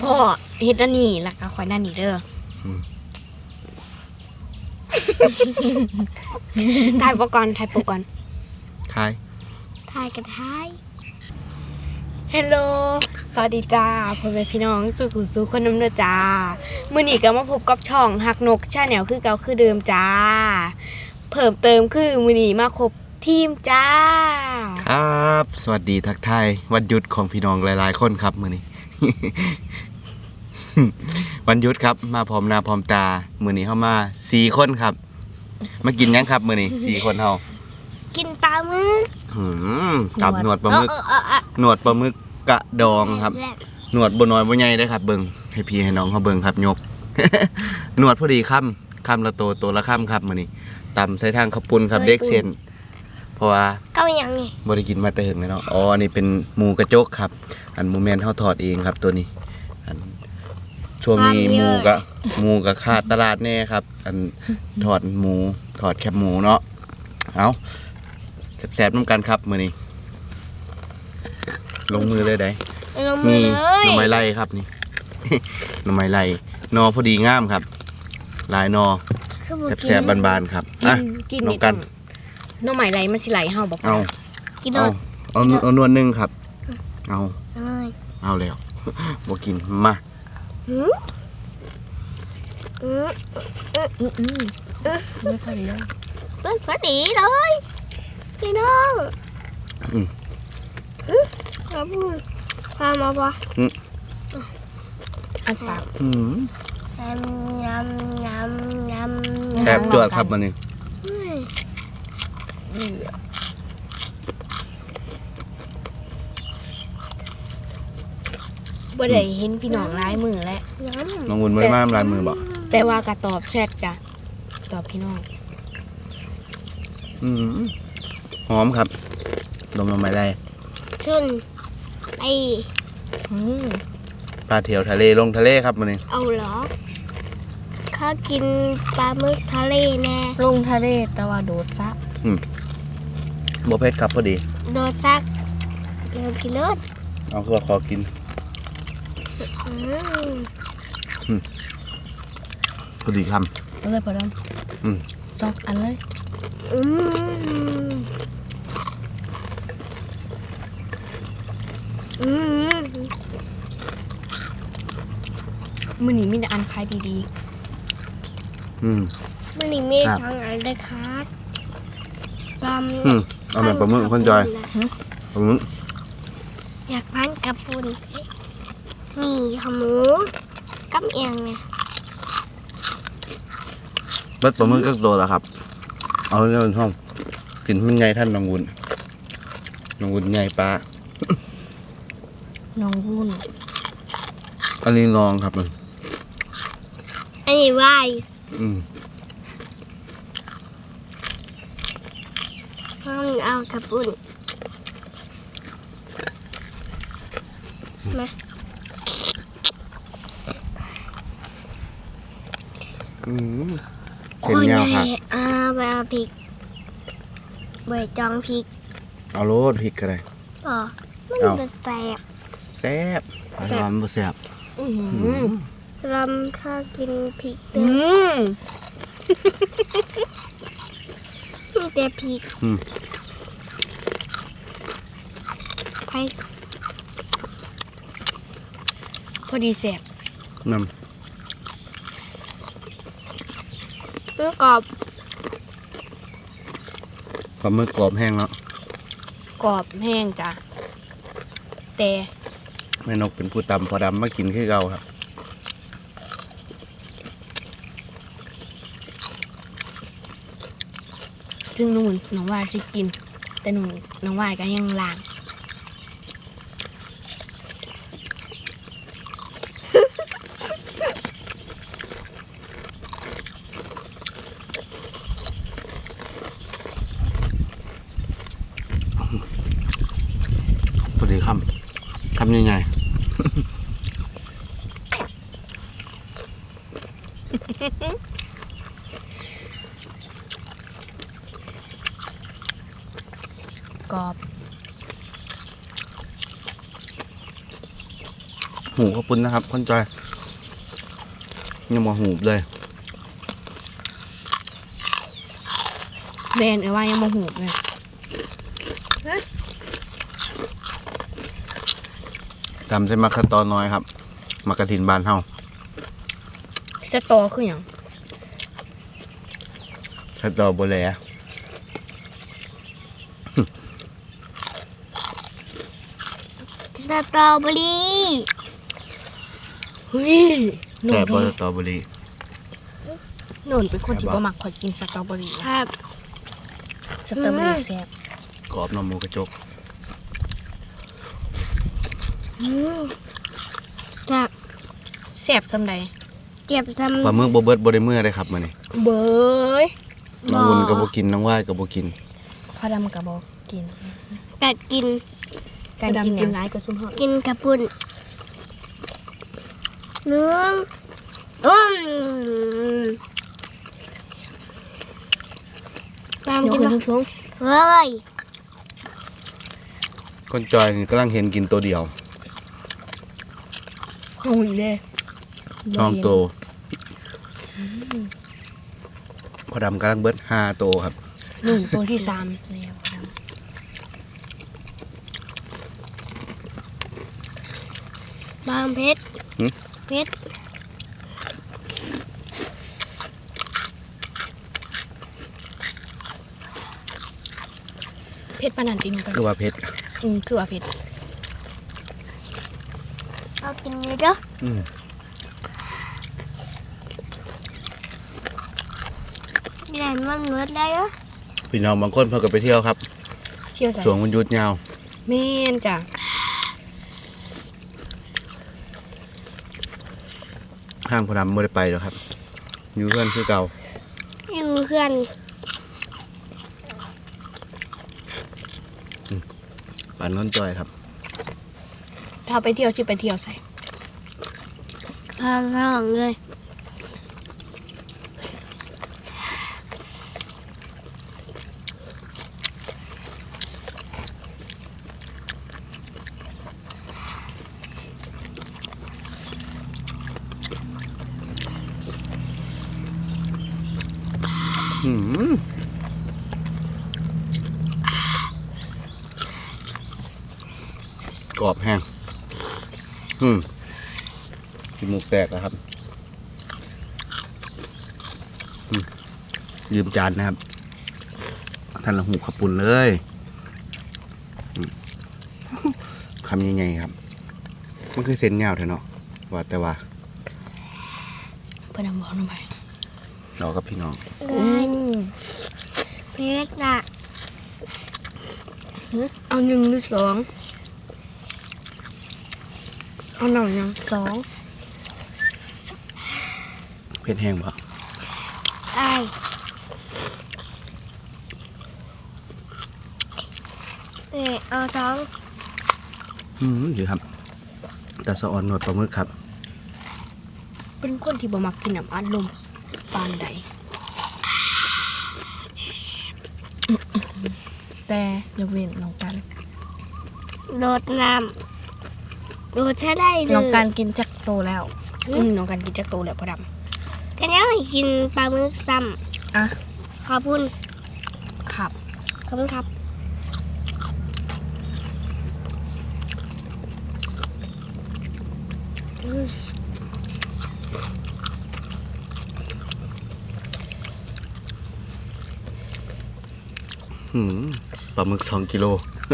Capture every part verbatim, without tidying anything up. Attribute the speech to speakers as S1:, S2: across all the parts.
S1: พ่อเฮ็ดนั่นนี่แล้วก็คอยนั่นนี่เด้อถ่ายโปรก่อนถ่ายโปรก่อน
S2: ถ่าย
S1: ถ่ายกันถ่ายเฮลโลสวัสดีจ้าพ่อแม่พี่น้องสู่ผู้สู่คนน้ำเนื้อจ้ามื้อนี้ก็มาพบกับช่องหักนกชาแนลคือเก่าคือเดิมจ้าเพิ่มเติมคือมื้อนี้มาครบทีมจ้า
S2: ครับสวัสดีทักทายวันหยุดของพี่น้องหลายๆคนครับมื้อนี้ วันหยุดครับมาพร้อมหน้าพร้อมตามื้อนี้เฮามาสี่คนครับมากินหยังครับมื้อนี้สี่คนเฮา
S1: กินปลาหมึก
S2: หืมกับหนวดปลาหมึกหนวดปลาหมึกกระดองครับหนวดบ่น้อยบ่ใหญ่เด้อครับเบิ่งให้พี่ให้น้องเฮาเบิ่งครับยก หนวดพอดีค่ำค่ำละโตโตละค่ำครับมื้อนี้ตำใส่ทางข้าวปุ้นครับเด็กเส้นเพราะว่า
S1: ก็ยังนี่
S2: บ่ได้กินมาแต่หึงเลยเนาะอ๋ออันนี้เป็นหมูกระจกครับอันหมูแม่นเฮาทอดเองครับตัวนี้อันช่วงนี้หมูก็หมูก็ขาดตลาดแน่ครับอันทอดหมูทอดแคบหมูเนาะเอาแซ่บๆน้ำกันครับมื้อนี้ลงมือเลยได้นี่หน่อไม้ไล่ครับนี่ หน่อไม้ไล่นอพอดีงามครับลายนอแซ่บๆบานๆครับอ่ะกินน้ำกัน
S1: หน่อไม้ไล่มันสิไหลเฮาบ่
S2: เอากินเอาเอาเอานวลนึงครับเอาเอาแล้วบ่กินมา
S1: อืออืออืออือไม่พอดีเลยไม่พอดีเลยพี่น้องอือครับพามาปะอันปากอือยำยำยำยำ
S2: แซ่บจวดครับมันนี่
S1: บ่ได้เห็นพี่น้องลายมือแล้ว
S2: น้องวุ่นบ่ได้มาลายมือบ่
S1: แต่ว่าก็ตอบแชทจ้ะตอบพี่น้อง
S2: อืมหอมครับลมลงมาได้
S1: ขึ้นไอ
S2: ปลาเถียวทะเลลงทะเลครับมันนี่
S1: เอาเหรอข้ากินปลาหมึกทะเลแน่ลงทะเลแต่ว่าโดดซัก
S2: อืมบ่เผ็ดครับพอดี
S1: โดดซักเดี๋ยวกินเลิศ
S2: เอาคือว่าขอกินอืมพอดีคำ
S1: เอาเลยพอดมอืมซอกอันเลยอืมอืมมื้อนี้มีแต่อันขายดีๆอืมมื้อนี้มีสองอันเลยครับปลาหมึก
S2: อืมเอาแบบปลาหมึกคนจอยปลาหมึก
S1: อยากพันกับปุ่นมีขาหมูกับเอียงไง
S2: รสปลาหมึกก็โตแล้วครับเอาเรื่องช่องกินมันไงท่านน้องวุ้นน้องวุ้นไงปลา
S1: น้องวุ้น
S2: อันนี้ลองครับมัน
S1: อันนี้วายอืมเอากับปุ่นมา
S2: อืมเส้นยาวครับ
S1: อ่าใบพริกใบจองพริก
S2: เอาโรดพริกก็ได้
S1: อ๋อมันเป็นแซ่บ
S2: แซ่บร้อนบ่แซ่บ
S1: รำถ้ากินพริกเต็มมีแต่พริกไปพอดีแซ่บ
S2: น้ำ
S1: เมื่อกรอบ
S2: ปลาหมึกกรอบแห้งแล้ว
S1: กรอบแห้งจ้ะแต่
S2: แม่นกเป็นผู้ตำพอดำมากินคือเราครับ
S1: ถึงหนูน้องวายสิกินแต่หนูน้องวายก็ยังล้าง
S2: พอดีคำคำยังไง
S1: กรอบ
S2: หูขอบคุณนะครับคนจอยยังมาหูเลย
S1: แมนเออว่ายังโมโหเลย
S2: ทำใส่มักกะตอน้อยครับมักกะถินบานเฮา
S1: สตอคืออย่าง
S2: สตอโบแล
S3: สตรอเบอรี่
S1: เฮ้ยหนู
S2: แต่บ
S1: น
S2: สตอเบอรี่
S1: หนูเป็นคนที่บ่มักขอกินสตรอเบอรี่
S3: ครับ
S1: สตรอเบอรี่แซ่บ
S2: กรอบนมหมูกระจก
S3: จับ
S1: แซ่บซำใด
S3: เก็บท
S2: ปลาหมึกบ่เบิดบ่ได้เมื่อเลยครับมื้อนี้
S1: เบย
S2: น้องวุ่นก็บ่กินน้องว่ายก็บ่กิน
S1: พอดำกับบ่กิน
S3: ำกัดกิน
S1: การกินกินร้ายก็ซุ่มฮอด
S3: กินกระปุ่นเนื้ออืมตาม
S1: ยก
S3: กิน
S1: ขึ้น
S3: เนาะ
S1: สูง
S3: เฮ้ย
S2: คนจอยนี่กำลังเห็นกินตัวเดียว
S1: ๆหุ่นเด้
S2: น้องโตพอดำกำลังเบิดห้าโตครับ
S1: หนึ่งตัวที่สามแล้วพอด
S3: บางเพชร
S2: หึ
S3: เพชร
S1: ำเผ็ดปานนันติหนูไป
S2: คือว่าเพชร
S1: อืมคือว่าเผ็ด
S3: เอากินเลยเด้อ
S2: อืม
S3: แหลมมันเมืดได้เด้อ
S2: พี่น้องบางคนเพิ่นก็ไปเที่ยวครับ
S1: เที่ยวใส่
S2: ช่วงวันหยุดยาว
S1: แม่นจ้ะ
S2: ห้างพอดำบ่ได้ไปแล้วครับ อยู่เพื่อนคือเก่า
S3: อยู่เพื่อน
S2: ปานน้นจอยครับ
S1: ถ้าไปเที่ยวสิไปเที่ยวใส่
S3: พางห้องเลย
S2: อืมกรอบแห้งอืมกินหมูกแตกแล้วครับอืมยืมจานนะครับ ท่านละหูขับปุ่นเลยอืมคำยังไงครับ มันคือเส้นยาวเถอะเนาะว่าแต่ว่า
S1: เพื่อนบอกลงไป
S2: เรากับพี่น้อง
S1: อืม
S3: เพชรน่ะ
S1: เอาหนึ่งหรือสองเอาหน่อยยังสอง
S2: เพชรแห้งปะ
S3: ไอ้เออเอาท้อง
S2: อืมอยู่ครับตาสะออนหนวดปลาหมึกครับ
S1: เป็นคนที่บ่มักกินน้ำอัดลมปานใดแต่ยกเว้นน้องกัน
S3: โดดน้ำโดดใช้ได้เลย
S1: น้องกันกินจักโตแล้วอืมน้องกันกินจักโตแล้วพอด
S3: กันยังไม่กินปลาหมึกซ้
S1: ำอ่ะ
S3: ำขอบคุณ
S1: ขับ
S3: ขอบคุณครับ
S2: อืมปลาหมึกสองกิโล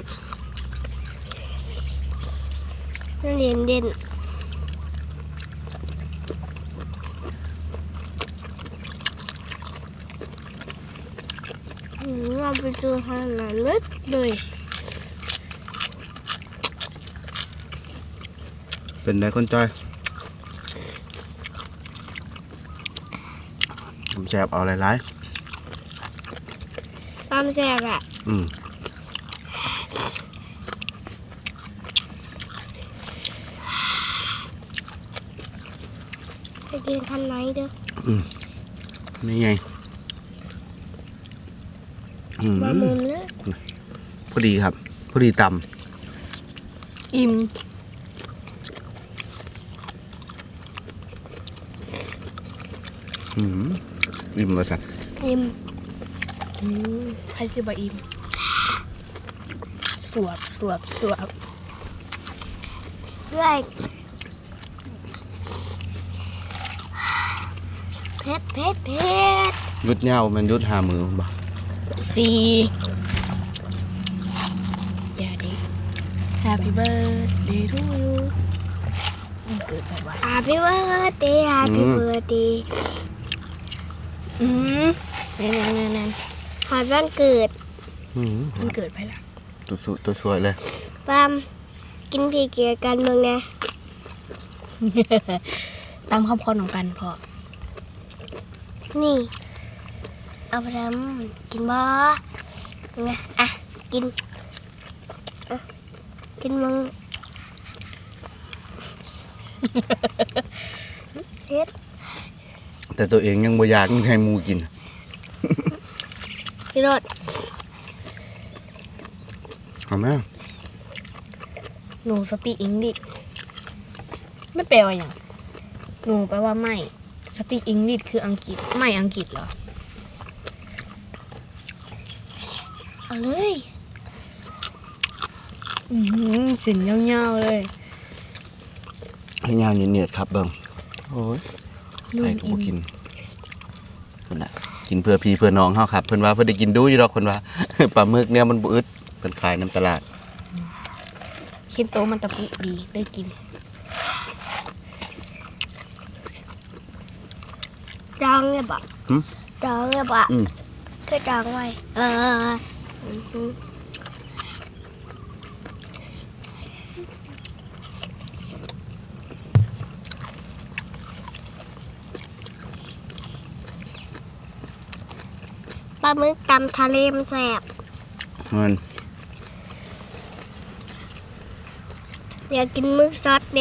S3: เด่นเด่นอืมเราไปดูขนาดลึกเลย
S2: เป็นไงคนจอยผมแสบเอาหลาย
S3: ความแซ่บอะ
S2: ๆอืม
S3: ไปกินคันไหนเด้อ
S2: นี่ไงอืม
S3: บะมุนเลย
S2: พอดีครับ พอดีต
S1: อิ่ม
S2: อืมอิ่มมาสัก
S3: อิ่ม
S1: อืมใครสิบ่อิ่มสวบสวบสวบ
S3: ด้วยเผ็ดเผ็ดเผ็ด
S2: ยุดเหย้ามันยุดหามือบ่
S1: สี่อย่าดิ Happy birthday to you มันเกิดไปวะ
S3: อาพี่เบิร์ดเดย์อาพี่เบิร์ดเดย์
S1: อืมนั่นนั่นนั่น
S3: ขอวันเกิด
S2: อืม
S1: มันเกิดไปละ
S2: ตัวสวยตัวสวยเลย
S3: ปามกินพีเกียร์กันเมืองนะ
S1: ตามคำพรของกันพอ
S3: นี่ เอาไปทำกินบ่ไงอ่ะ กินอ่ะกินมึงเฮ็ด
S2: แต่ตัวเองยังบ่อยากให้หมูกิน
S3: พี่รถ
S2: เอาไหม
S1: หนูสปีกอังกฤษไม่แปลว่าอย่างหนูแปลว่าไม่สปีกอังกฤษคืออังกฤษไม่อังกฤษเหรอ
S3: เอาเลย
S1: อืมสินเงาๆเลย
S2: ให้ยาวเหนียดๆครับเบิ่งโอ้ย
S1: นุ่
S2: ไอ้
S1: ม
S2: ก็
S1: อิ่
S2: บ่
S1: ม
S2: กินนั่นน่ะกินเพื่อพี่เพื่อน้องเฮาครับเพิ่นว่าเพิ่นได้กินดูอยู่ดอกเพิ่นว่า ปลาหมึกเนี่ยมันบ่อึดเพิ่นขายน้ำตลาด
S1: คิมโตมันตะปุดีได้กิน
S3: จองเลยบ่
S2: หึ
S3: จองเลยบ่
S2: อืม
S3: คือจองไว้เอออือหือปลาหมึกตำทะเลมันแสบ
S2: มัน
S3: อยากกินหมึกซอสเด้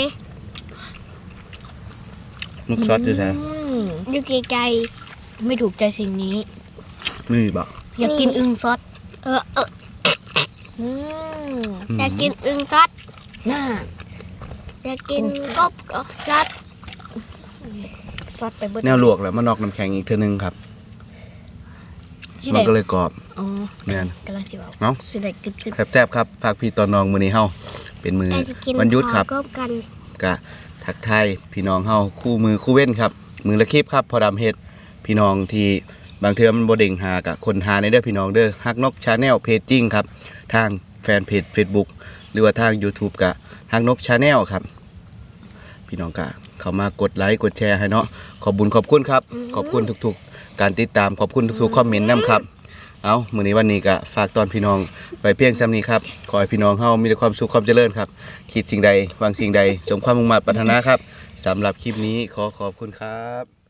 S2: มึกซอสอยู่แท้
S1: อืม
S3: อยู่ไกล
S1: ไม่ถูกใจสิ่งนี้
S2: นี่บ่
S1: อยากกินอึ่งซอส
S3: ๆเออเออ
S1: อืม
S3: อยากกินอึ่งซอส
S1: น่า
S3: อยากกินกบก็ซอส
S1: ซอสไปเบิด
S2: แนวลวกแล้วมานอกน้ำแข็งอีกเทื่อนึงครับ
S1: สิ
S2: มัน
S1: ได้
S2: ก็เลยกรอบ
S1: อ๋อ
S2: แม่น
S1: กำลังสิเว้า
S2: เนาะ
S1: สิได้กึดกึด
S2: แซ่บๆครับฝากพี่ตอนน้องมื้อนี้เฮาเป็นมือ
S3: แต่จะกิน
S2: วันหยุดครับ
S3: ขอกบกัน
S2: กะทักทายพี่น้องเฮาคู่มือคู่เว้นครับ มือละคลิปครับพอดำเฮ็ดพี่น้องที่บางเทื่อมันบ่เด้งหากะคนหาในเด้อพี่น้องเด้อฮักนกชาแนลเพจจริงครับ ทางแฟนเพจ Facebook หรือว่าทาง YouTube กะฮักนกชาแนลครับ พี่น้องกะเข้ามากดไลค์กดแชร์ให้เนาะขอบบุญขอบคุณครับ ขอบคุณทุกๆ การติดตามขอบคุณทุกๆคอมเมนต์นํครับ เอามื้อนี้วันนี้ก็ฝากตอนพี่น้องไปเพียงซ้ำนี้ครับขอให้พี่น้องเฮามีแต่ความสุขความเจริญครับ คิดสิ่งใดหวังสิ่งใดสมความมุ่งมั่นปรารถนาครับสำหรับคลิปนี้ขอขอบคุณครับ